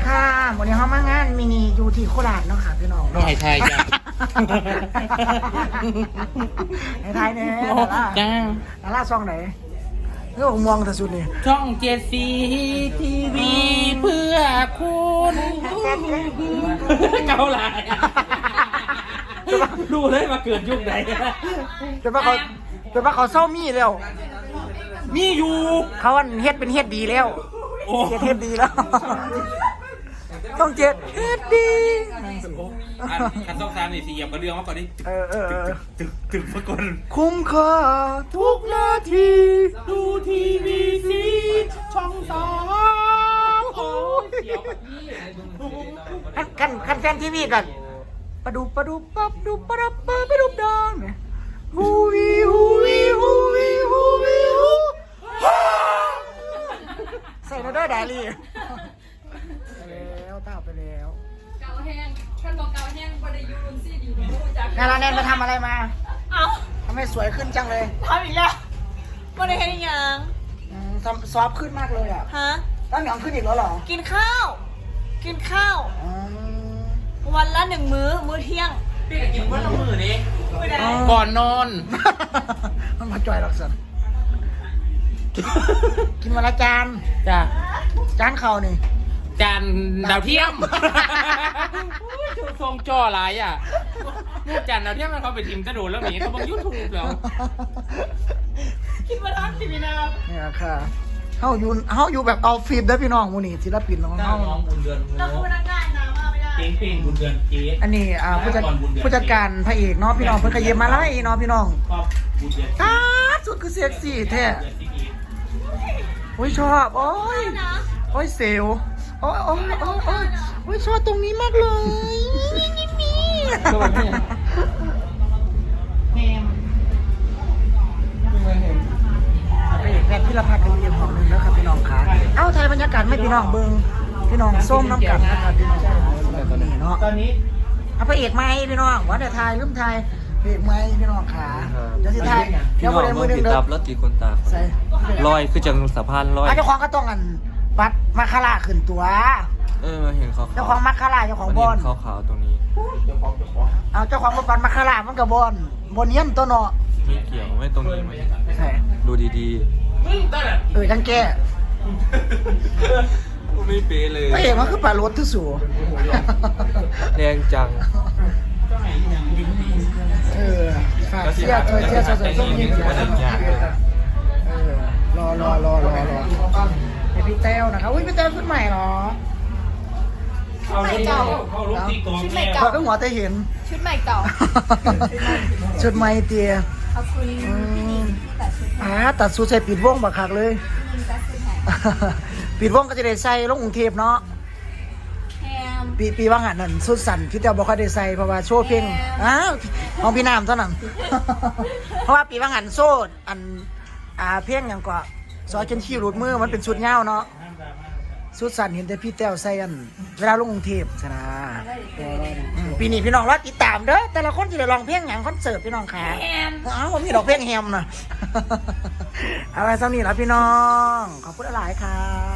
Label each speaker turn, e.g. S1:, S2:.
S1: ค่ะวันนี้เขามางานมินิอยู่ที่โคราชเนาะค่ะพี่น้อง
S2: ไม่ให้ไทยจ้ะ
S1: ให้ไทยเนี่ย
S2: จ้า
S1: ดาราช่องไหนเรื่องมองแต่สุดนี่
S2: ช่องเจ็ดสีทีวีเพื่อคุณเกาหลายดูเลยมาเกิดยุคไหน
S1: แต่ว่าเขาเศร้ามีแล้ว
S2: มีอยู่
S1: เขาอันเฮ็ดเป็นเฮ็ดดีแล้ว
S2: โอ้
S1: เฮ็ดดีแล้วต้องเจ็ดเฮ็ดดี
S2: คันต้องตามนี่สีเหยียบกระเรื่องมาก่อนดิ ตึกมาก่อน
S1: คุ้มค่าทุกนาที
S2: ดูทีวีสีช่องสองโอ้ยเสียวแบบนี้
S1: คันแฟนทีวีกันปะดูปับดูปะรับไปดูดอนฮูวีฮูวีฮูวีฮูวีฮูใส่แล้วด้วยดาลีแล้วต้าไปแล้ว
S3: เกาแห้งท่านบอกเกาแห้งบริยูนซี่ดีไม่รู้จัก
S1: งานเราแนนไปทำอะไรมา
S3: เอ้า
S1: ทำไมสวยขึ้นจังเลย
S3: ทำอีกแล้วบริเฮ็ดยัง
S1: ซอฟขึ้นมากเลยอ่ะ
S3: ฮะ
S1: ตั้งหยองขึ้นอีกแล้วเหรอ
S3: กินข้าว วันละ1 มื้อเที่ยง
S2: พี่กินวันละมือนี่ก่อนนอน
S1: มันมาจ่อยหรอกสันกินวันละจาน
S2: จ้ะ
S1: จานเข่านี่
S2: จานดาวเทียมทรงจ่อหลายอ่ะมูจานดาวเทียมมันเขาไปทิมกระโดดแล้วหนีเขาบอกยูทูบแล้ว
S3: คิดว่าร้านสิบีนา
S1: เนี่ยค่ะเฮาอยู่แบบเอาฟิล์มได้อพี่น้องมูนี่ศิลปินของเฮา
S2: น้องบุญเดือน
S3: เราคือพนักงานนะมาไม่ได้
S2: เก่งเพลงบุญเดือนเจ๊
S1: อันนี้ผู้จัดการพระเอกเนาะพี่น้องเพิ่นขยิบมาไล่เนาะพี่น้อง
S2: ชอบบุญเดือน
S1: ตาสุดคือเซ็กซี่แท้โอ้ยชอบโอ้ย
S3: นะ
S1: โอ้ยเซลโอ้ยโอ้ยชอบตรงนี้มากเลยนี่
S2: สวัสดีแมม
S1: พระเอกแพทย์พิรพัฒน์กันเรียงของหนึงแล้วครับพี่น้องค่ะเอ้าไทยบรรยากาศไม่พี่น้องเบิ่งพี่น้องส้มน้ำกันนะครับพี่น้องนี่เนาะ
S2: ตอนนี้
S1: เอาพระเอกไหมพี่น้องว่าเดี๋ยวไทยลืมไทยพระเอกไหมพี่น้องขาเดี๋ยวสิไทย
S4: พี่
S1: เดี๋ยว
S4: น้
S1: บ่
S4: อง
S1: ได้
S4: เมื
S1: มื
S4: อ
S1: อง หนึง
S4: ติด
S1: เด้อ
S4: ตับแล้วตีคนตา
S1: ใส่
S4: ลอยคือจังสะพานลอย
S1: เจ้าของก็ต้องอันปัดมาคาราขึ้นตัว
S4: มาเห็นเขา
S1: เจ้าของมัคคาราเจ้าของบอน
S4: ขาวๆตรงนี้
S1: เอาเจ้าของมาปัดมัคคารามันกับบอนเยี่ยมตัวเนาะ
S4: ไม่เกี่ยวไม่ตรงนี้ไหม
S1: ใช่
S4: ดูดี
S1: จังแก้
S4: ๆไม่เป๊ะเลย
S1: พระเอกมันคือปลารถที่สู
S4: แรงจัง
S1: ฝากเชียร์สดๆส้มยิงรอให้พี่แต้วนะครับอุ้ยพี่แต้วขึ้นใหม่เหรอ
S2: เอาลูกตีกอง
S3: ชุดใหม่
S2: แม่
S3: เก่า
S1: พอก็หัวแต่เห็น
S3: ชุดใหม่เก่า
S1: ชุดใหม่เตีย
S3: ขอบคุณพี่นิงที่ตัดชุด
S1: ตัดสูทใส่ปิดวงบักคักเลย
S3: พี่นิงตัดชุดแทน
S1: ปิดวงก็จะได้ใส่ลงกรุงเทพเนาะ
S3: แฮม
S1: ปีว่างานนั่นสุดสั่นพี่แต้วบอกเขาได้ใส่เพราะว่าโชว์เพลงของพี่น้ำเท่านั้น เพราะว่าปีว่างานโซ่เพลงอย่างก็ซอยจนขี้หลุดมือมันเป็นชุดเงาเนาะสุดสั่นเห็นแต่พี่แต้วใส่กันเวลาลงกรุงเทพชนะปีนี้พี่น้องรอติดตามเด้อแต่ละคนจะได้ร้องเพลงอย่างคอนเสิร์ตพี่น้องขา
S3: แฮม
S1: ผมมีดอกเพลงแฮมนะ เอาไว้สักนี้แล้วพี่น้องขอบคุณหลายครับ